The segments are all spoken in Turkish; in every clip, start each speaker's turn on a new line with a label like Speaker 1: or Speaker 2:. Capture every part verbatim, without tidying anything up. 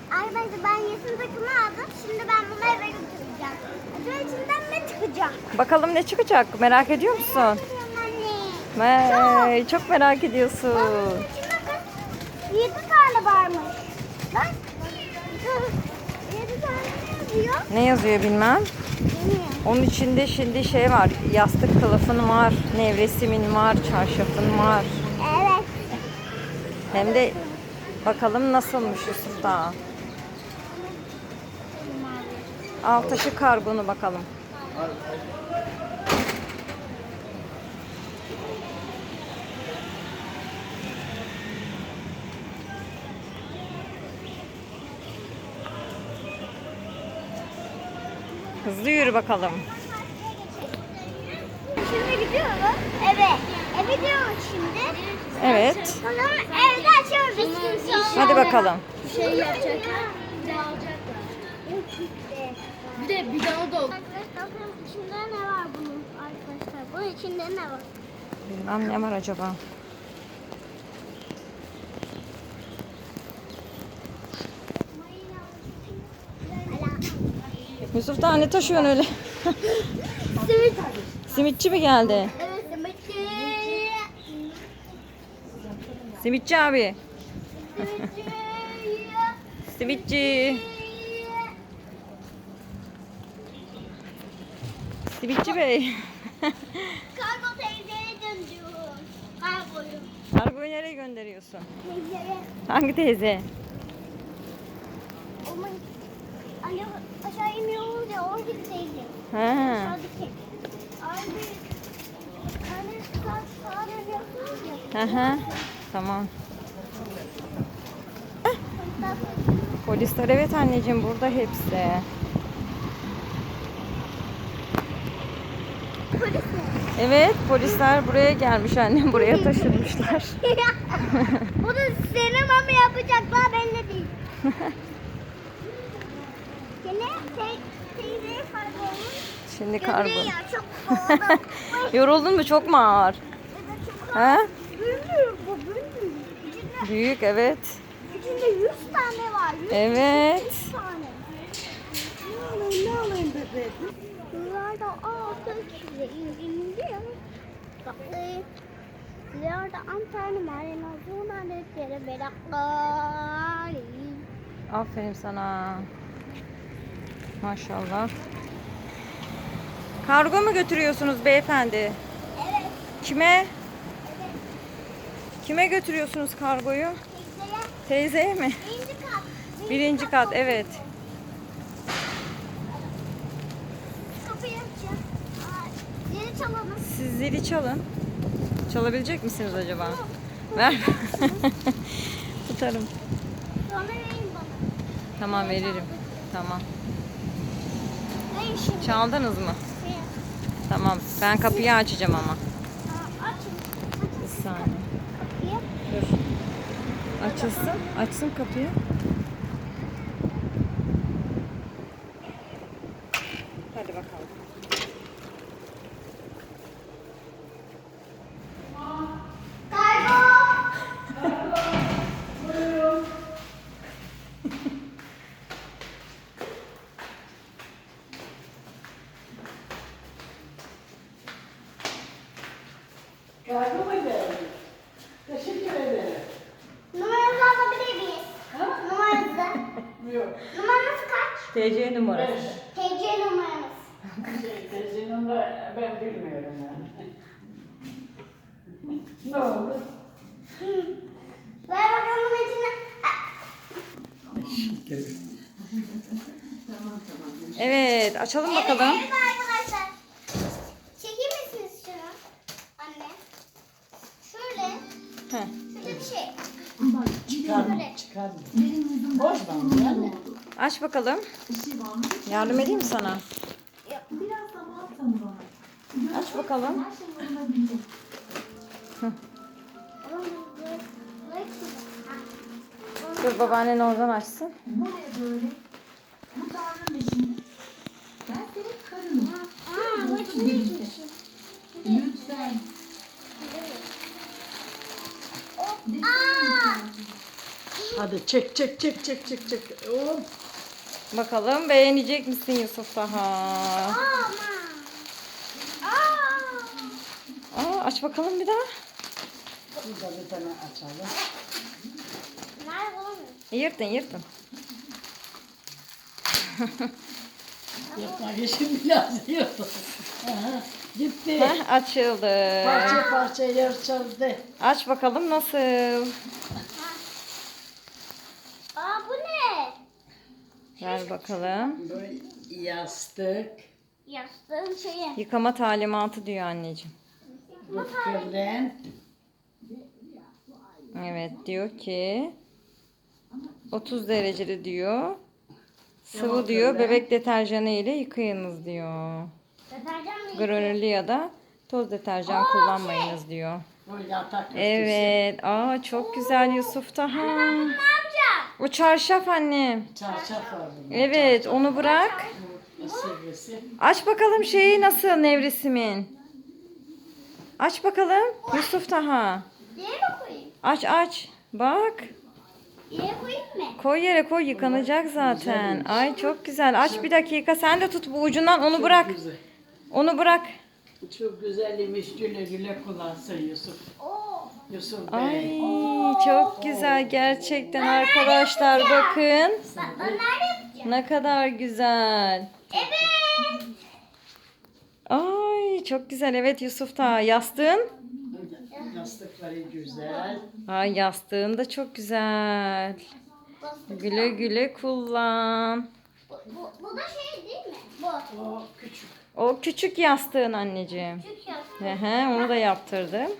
Speaker 1: Arkadaşlar ben yeşil takımı aldım. Şimdi ben bunu eve götüreceğim. Acaba içinden ne çıkacak?
Speaker 2: Bakalım ne çıkacak? Merak ediyor musun?
Speaker 1: Anne.
Speaker 2: Vay, çok merak ediyorsun.
Speaker 1: Bunun içinde kaç? Yedi tane varmış. Bak. Yedi tane ne yazıyor?
Speaker 2: Ne yazıyor bilmem.
Speaker 1: Bilmiyorum.
Speaker 2: Onun içinde şimdi şey var. Yastık kılıfın var, nevresimin var, çarşafın var.
Speaker 1: Evet.
Speaker 2: Hem de bakalım nasılmış Yusuf da. Al taşı kargonu bakalım. Hızlı yürü bakalım.
Speaker 1: Şimdi gidiyoruz. Eve. Eve gidiyoruz şimdi.
Speaker 2: Evet.
Speaker 1: Sonra evde açıyoruz.
Speaker 2: Hadi bakalım.
Speaker 3: Şey yapacaklar, bir de alacaklar. Bir de bir daha da
Speaker 1: Arkadaşlar bakın içinde ne var bunun arkadaşlar? Bunun içinde ne var?
Speaker 2: Bilmem ne var acaba. Yusuf da ne taşıyorsun öyle?
Speaker 1: Simit.
Speaker 2: Simitçi mi geldi?
Speaker 1: Evet simitçi.
Speaker 2: Simitçi abi.
Speaker 1: Simitçi.
Speaker 2: Simitçi. Simitçi bey.
Speaker 1: Kargo teyzeye dönüyor. Kargoyu.
Speaker 2: Kargoyu nereye gönderiyorsun?
Speaker 1: Teyzeye.
Speaker 2: Hangi teyze?
Speaker 1: Aman. Anne aşağı iniyoruz ya oradaki teyze.
Speaker 2: Ha.
Speaker 1: Aşağıdaki. Abi. Anne saat sağa dönüyorsunuz ya.
Speaker 2: Hı hı. Tamam. Polisler evet anneciğim burada hepsi.
Speaker 1: Polis mi?
Speaker 2: Evet polisler buraya gelmiş annem buraya taşınmışlar.
Speaker 1: Bunu sinema mı yapacaklar belli değil. Yine te teyzeye kargo olmuş.
Speaker 2: Şimdi kargo.
Speaker 1: Gömleği ya çok pahalı.
Speaker 2: Yoruldun mu çok mu ağır?
Speaker 1: Evet çok
Speaker 2: Ha?
Speaker 1: büyük bu büyük. İçinde,
Speaker 2: Büyük evet.
Speaker 1: içinde yüz tane var. yüz
Speaker 2: Evet.
Speaker 1: yüz tane. Ne alayım ne alayım bebeğim? Bunlar da altı kişi indirimli. Tatlı. Bunlar da antrenman var. En azından dedikleri meraklar.
Speaker 2: Aferin sana. Maşallah. Kargo mu götürüyorsunuz beyefendi?
Speaker 1: Evet.
Speaker 2: Kime? Kime götürüyorsunuz kargoyu?
Speaker 1: Teyzeye
Speaker 2: Teyzeye mi?
Speaker 1: birinci kat.
Speaker 2: Birinci kat evet.
Speaker 1: Kapıyı açacağım. Aa, Zili çalalım.
Speaker 2: Siz zili çalın. Çalabilecek misiniz acaba? Ver. Tutarım.
Speaker 1: Sonra verin bana.
Speaker 2: Tamam veririm. Tamam.
Speaker 1: Verin şimdi.
Speaker 2: Çaldınız mı?
Speaker 1: Verin.
Speaker 2: Tamam. Ben kapıyı açacağım ama.
Speaker 1: Aa, açın. Açın
Speaker 2: Bir
Speaker 1: siz
Speaker 2: saniye.
Speaker 1: kapıyı.
Speaker 2: Dur. Açılsın. Açsın kapıyı. Hadi bakalım.
Speaker 1: Kargo.
Speaker 4: Kargo mu geldi? Teşekkür ederim.
Speaker 1: Numaranızı alabilir miyiz? Numaranızı.
Speaker 4: Yok.
Speaker 1: Numaranız kaç?
Speaker 2: T C numarası.
Speaker 4: Beş.
Speaker 1: T C numaranız.
Speaker 4: Şey, teyzenin de ben bilmiyorum yani. Ne oldu?
Speaker 1: Ver bakalım içine.
Speaker 2: Evet. Açalım
Speaker 1: Evet,
Speaker 2: bakalım.
Speaker 1: evet arkadaşlar. Çeker misiniz şunu? Anne. Şöyle.
Speaker 2: Heh.
Speaker 1: Şöyle bir şey.
Speaker 4: Çıkarma, çıkarma. Boş ver yani.
Speaker 2: Aç bakalım. Yardım edeyim mi sana?
Speaker 3: biraz zaman tanı bana.
Speaker 2: Aç bakalım.
Speaker 3: Her şey yoluna girecek.
Speaker 1: Ama bu böyle- böyle bir şey.
Speaker 2: Dur babaannen oradan açsın.
Speaker 3: Buraya böyle. Bu Tanrı'nın eşini. Ben senin karınım.
Speaker 1: Aa, bu içinde
Speaker 3: Birlikte.
Speaker 1: bir şey.
Speaker 3: Lütfen.
Speaker 1: Aa!
Speaker 4: Hadi çek çek çek çek çek çek. Oğlum.
Speaker 2: Bakalım beğenecek misin Yusuf daha?
Speaker 1: Aman. Aa.
Speaker 2: Aa, aç bakalım bir daha.
Speaker 4: Burada bir tane açalım.
Speaker 1: Nerede bulamıyorum.
Speaker 2: Yırtın yırtın.
Speaker 4: Yapma geçin biraz yiyordu. Aha, gitti.
Speaker 2: Heh, açıldı.
Speaker 4: Parça parça yarışıldı.
Speaker 2: Aç bakalım nasıl?
Speaker 1: Aa bu ne?
Speaker 2: Ver bakalım.
Speaker 4: Bu yastık.
Speaker 1: Yastığın şeyi.
Speaker 2: Yıkama talimatı diyor anneciğim.
Speaker 4: Bu kırlent.
Speaker 2: Evet diyor ki otuz derecede diyor. Sıvı diyor bebek deterjanı ile yıkayınız diyor.
Speaker 1: Deterjan mı?
Speaker 2: Granüllü ya da toz deterjan kullanmayınız diyor.
Speaker 4: Bu yatak örtüsü.
Speaker 2: Evet. Aa çok güzel Yusuf Taha.
Speaker 1: Ne yapacağım?
Speaker 2: O çarşaf anne.
Speaker 4: Çarşaf var bunun.
Speaker 2: Evet onu bırak.
Speaker 4: Bu sivrisi.
Speaker 2: Aç bakalım şeyi nasıl nevresimin. Aç bakalım Yusuf Taha.
Speaker 1: Yere mi koyayım?
Speaker 2: Aç aç. Bak.
Speaker 1: Yere koyayım mı?
Speaker 2: Koy yere koy yıkanacak zaten. Ay çok güzel. Aç bir dakika. Sen de tut bu ucundan onu bırak.
Speaker 4: Güzel.
Speaker 2: Onu bırak.
Speaker 4: Çok güzelmiş. Güle güle kullansın Yusuf.
Speaker 1: Oo.
Speaker 4: Yusuf
Speaker 2: Ay
Speaker 4: Bey.
Speaker 2: çok güzel gerçekten arkadaşlar bakın.
Speaker 1: Ben, ben nerede yapacağım?
Speaker 2: Ne kadar güzel.
Speaker 1: Evet.
Speaker 2: Ay çok güzel evet Yusuf Taha. Yastığın?
Speaker 4: Yastıkları güzel.
Speaker 2: Ay yastığın da çok güzel. Güle güle kullan.
Speaker 1: Bu, bu, bu da şey değil mi? Bu.
Speaker 4: O küçük.
Speaker 2: O küçük yastığın anneciğim.
Speaker 1: Küçük yastık.
Speaker 2: Hı hı, onu da yaptırdım.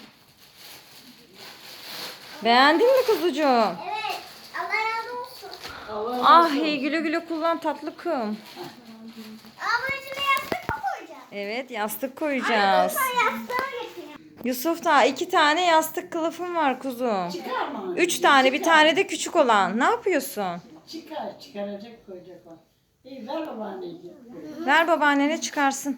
Speaker 2: Beğendin mi kuzucuğum?
Speaker 1: Evet. Allah razı olsun.
Speaker 4: Allah
Speaker 2: Ah
Speaker 4: razı
Speaker 2: hey, güle güle kullan tatlı kım.
Speaker 1: Aa bunun içine yastık mı koyacağım?
Speaker 2: Evet yastık koyacağız.
Speaker 1: Sen yastığı getireyim.
Speaker 2: Yusuf da iki tane yastık kılıfım var kuzum.
Speaker 4: Çıkarma.
Speaker 2: Üç tane bir tane de küçük olan. Ne yapıyorsun?
Speaker 4: Çıkar, çıkaracak koyacak o. İyi ver babaanneciğim.
Speaker 2: Ver babaannene çıkarsın.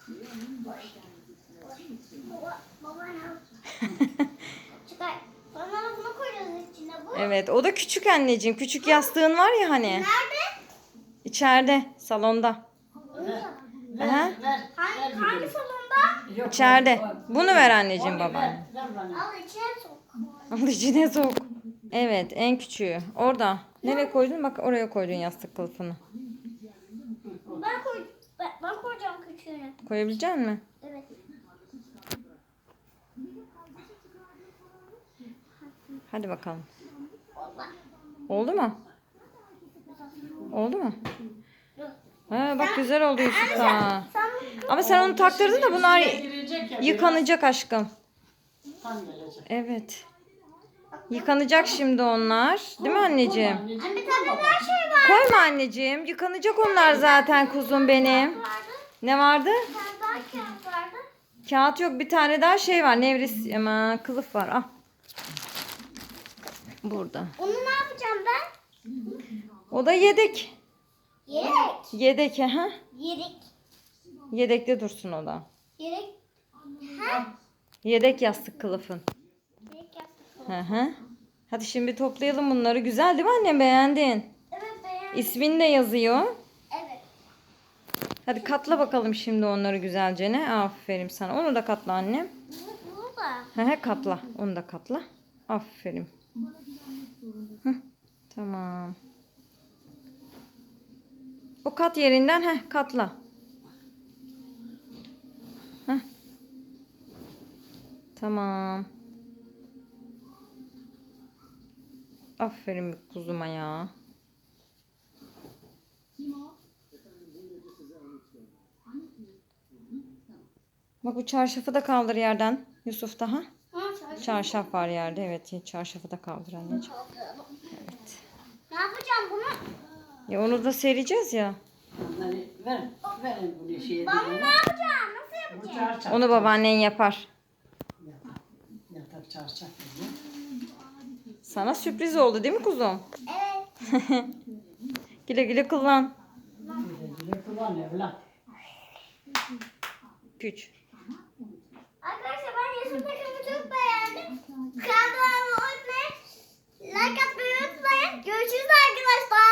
Speaker 1: Baba, baba ne Çıkar. Sonra da bunu koyacağız içine bu.
Speaker 2: Evet o da küçük anneciğim. Küçük yastığın var ya hani.
Speaker 1: Nerede?
Speaker 2: İçeride salonda.
Speaker 4: Ver,
Speaker 2: Aha.
Speaker 4: ver, ver.
Speaker 1: Hangi,
Speaker 4: ver
Speaker 1: hangi
Speaker 4: gidelim.
Speaker 2: İçeride.
Speaker 1: salonda?
Speaker 4: Yok,
Speaker 2: Bunu ver anneciğim
Speaker 4: Onu ver,
Speaker 2: babaanne.
Speaker 4: ver bana.
Speaker 1: Al içine sok.
Speaker 2: Al içine sok. Evet en küçüğü. Orada. Nereye koydun? Bak oraya koydun yastık kılıfını.
Speaker 1: Ben koy ben, ben koyacağım küçüğünü.
Speaker 2: Koyabilecek misin?
Speaker 1: Evet.
Speaker 2: Hadi bakalım.
Speaker 1: Baba.
Speaker 2: Oldu mu? Oldu mu?
Speaker 1: Dur.
Speaker 2: Ha, bak güzel oldu Yusuf da.
Speaker 1: Sen
Speaker 2: Ama sen onu taktırdın da bunlar
Speaker 4: İçine girecek ya,
Speaker 2: yıkanacak aşkım.
Speaker 4: biraz tam gelecek.
Speaker 2: Evet. Yıkanacak şimdi onlar. Değil mi anneciğim?
Speaker 4: Anneciğim,
Speaker 1: bir tane daha şey var.
Speaker 2: Koyma anneciğim. Yıkanacak onlar zaten kuzum benim.
Speaker 1: Vardı.
Speaker 2: Ne vardı?
Speaker 1: Bir tane daha kağıt vardı.
Speaker 2: Kağıt yok. Bir tane daha şey var. Nevris ama kılıf var. Al. Burada.
Speaker 1: Onu ne yapacağım ben?
Speaker 2: O da yedek.
Speaker 1: Yedek.
Speaker 2: Yedek ha?
Speaker 1: Yedek.
Speaker 2: Yedekte dursun o da.
Speaker 1: Yedek. Ha?
Speaker 2: Yedek yastık kılıfın.
Speaker 1: Yedek yastık.
Speaker 2: Hı hı. Hadi şimdi toplayalım bunları. Güzel değil mi annem? Beğendin.
Speaker 1: Evet beğendim.
Speaker 2: İsmin de yazıyor.
Speaker 1: Evet.
Speaker 2: Hadi katla bakalım şimdi onları güzelce ne? Aferin sana. Onu da katla annem.
Speaker 1: Bu, bu da.
Speaker 2: He he katla. Onu da katla. Aferin. Hı, tamam. O kat yerinden he katla. Heh. Tamam. Aferin kuzuma ya. Bak bu çarşafı da kaldır yerden Yusuf daha.
Speaker 1: Ha, çarşı.
Speaker 2: Çarşaf var yerde. Evet çarşafı da kaldır anneciğim. Evet.
Speaker 1: Ne yapacağım bunu?
Speaker 2: Ya onu da sereceğiz ya.
Speaker 4: Onları ver, verin bunu şeye.
Speaker 1: Ben bunu ne yapacağım? Nasıl
Speaker 4: Bu
Speaker 1: yapacağım?
Speaker 4: çarşaf.
Speaker 2: Onu babaannen yapar.
Speaker 4: Yatak, yatak çarşaf. dedi.
Speaker 2: Sana sürpriz oldu değil mi kuzum?
Speaker 1: Evet.
Speaker 2: Güle güle kullan.
Speaker 4: Güle güle kullan evlat.
Speaker 2: Güç.
Speaker 1: Arkadaşlar ben Yusuf takımı çok beğendim. Kanalıma abone olmayı, like atmayı unutmayın. Görüşürüz arkadaşlar.